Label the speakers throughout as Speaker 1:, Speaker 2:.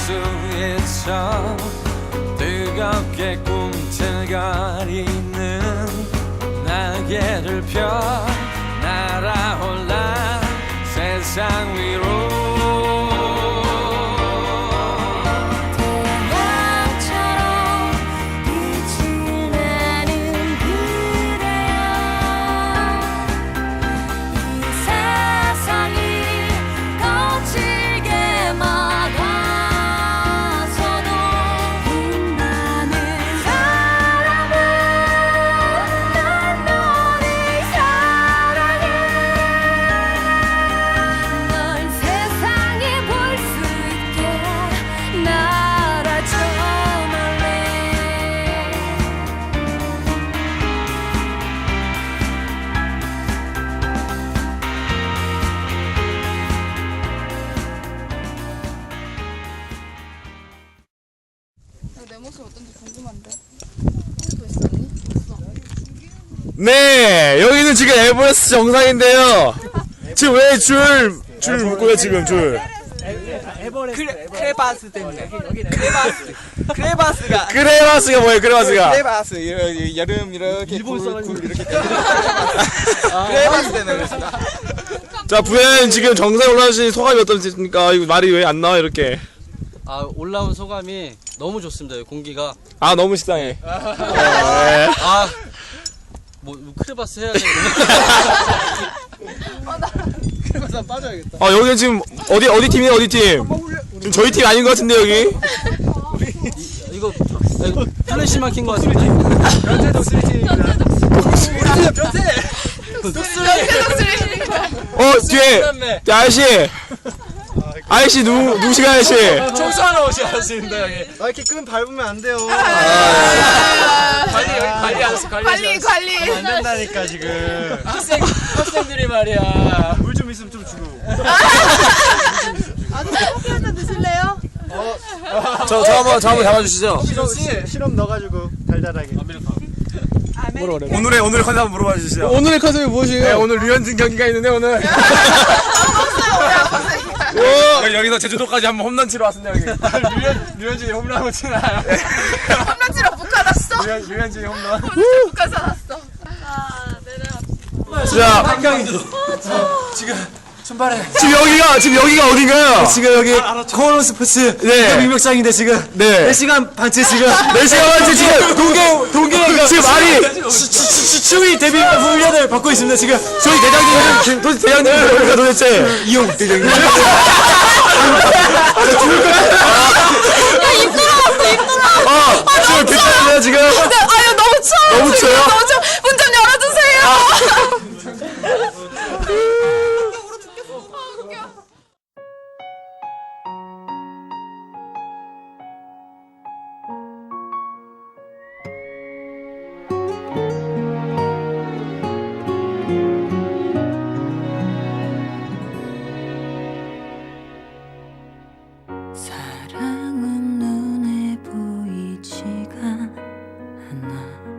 Speaker 1: 수 있어 뜨겁게 꿈틀거리는 날개를 펴 날아올라 세상 위로
Speaker 2: 내 모습 어떤지 궁금한데. 또 있었니? 있어.
Speaker 3: 네, 여기는 지금 에버레스트 정상인데요. 지금 왜 줄 묶고요, 지금 줄?
Speaker 4: 크레바스 때문에. 크레바스가
Speaker 3: 크레바스가 뭐예요, 크레바스가?
Speaker 4: 크레바스 여름 이렇게 굴 이렇게 크레바스 때문에 그렇습니다.
Speaker 3: 자, 부연 지금 정상에 올라오신 소감이 어떠십니까? 이거 말이 왜 안 나와, 이렇게?
Speaker 5: 아, 올라온 소감이 너무 좋습니다. 공기가.
Speaker 3: 아, 너무 식상해.
Speaker 5: 아, 뭐 크레바스 해야 되는데.
Speaker 4: 크레바스 빠져야겠다.
Speaker 3: 아, 여기는 지금 어디 팀이에요, 어디 팀? 지금 저희 팀 아닌 것 같은데, 여기?
Speaker 5: 이거 플래시만 킨 것 같은데.
Speaker 4: 변태 독수리팀입니다. 변태
Speaker 3: 뒤에! 아저씨! 아저씨, 누구시가 아저씨?
Speaker 5: 청소하러 오셨습니다, 여기.
Speaker 4: 이렇게 끈 밟으면 안 돼요.
Speaker 2: 관리.
Speaker 4: 안 된다니까 지금.
Speaker 5: 학생들이 말이야.
Speaker 4: 물 좀 있으면 좀 주고.
Speaker 2: 아저씨 커피 한잔 드실래요?
Speaker 3: 저 한번 잡아주시죠.
Speaker 4: 시럽 넣어가지고 달달하게.
Speaker 3: 오늘의 컨셉 한번 물어봐 주시죠. 오늘의 컨셉이 무엇이에요? 네, 오늘 류현진 경기가 있는데, 오늘. 여기서 제주도까지 한번 홈런 치러 왔습니다, 여기.
Speaker 4: 류현진이 홈런하고 치나요?
Speaker 2: 홈런 치러 북한왔어.
Speaker 4: 류현진이 홈런.
Speaker 2: 북한 살았어.
Speaker 3: 자, 지금 여기가 어딘가요?
Speaker 6: 지금 여기 코너 스포츠
Speaker 3: 네.
Speaker 6: 민명장인데 지금
Speaker 3: 네.
Speaker 6: 4시간 반째 지금
Speaker 3: 4시간 반째 지금
Speaker 6: 동계
Speaker 3: 지금 말이
Speaker 6: 추위 대비 훈련을 받고 있습니다. 지금
Speaker 3: 저희 대장님은 도대체 대장님은 누굽니까 도대체?
Speaker 6: 이용 대장님.
Speaker 3: 지금 비싸네요 지금.
Speaker 2: 아유 너무 추워.
Speaker 3: 너무 추워요?
Speaker 2: 문 좀 열어주세요.
Speaker 7: 사랑은 눈에 보이지가 않아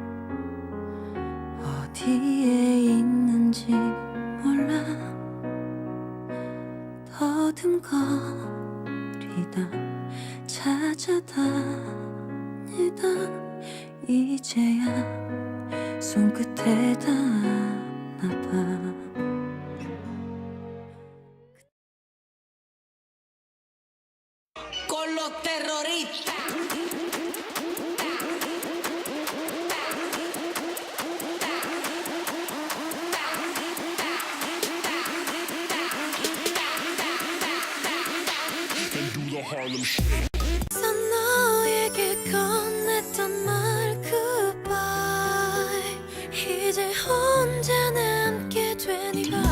Speaker 7: 어디에 있는지 몰라 더듬거리다 찾아다니다 이제야 손끝에 닿았나봐
Speaker 8: con los terroristas.
Speaker 7: 너에게 건넸던 말 goodbye 이제 혼자 남게 되니까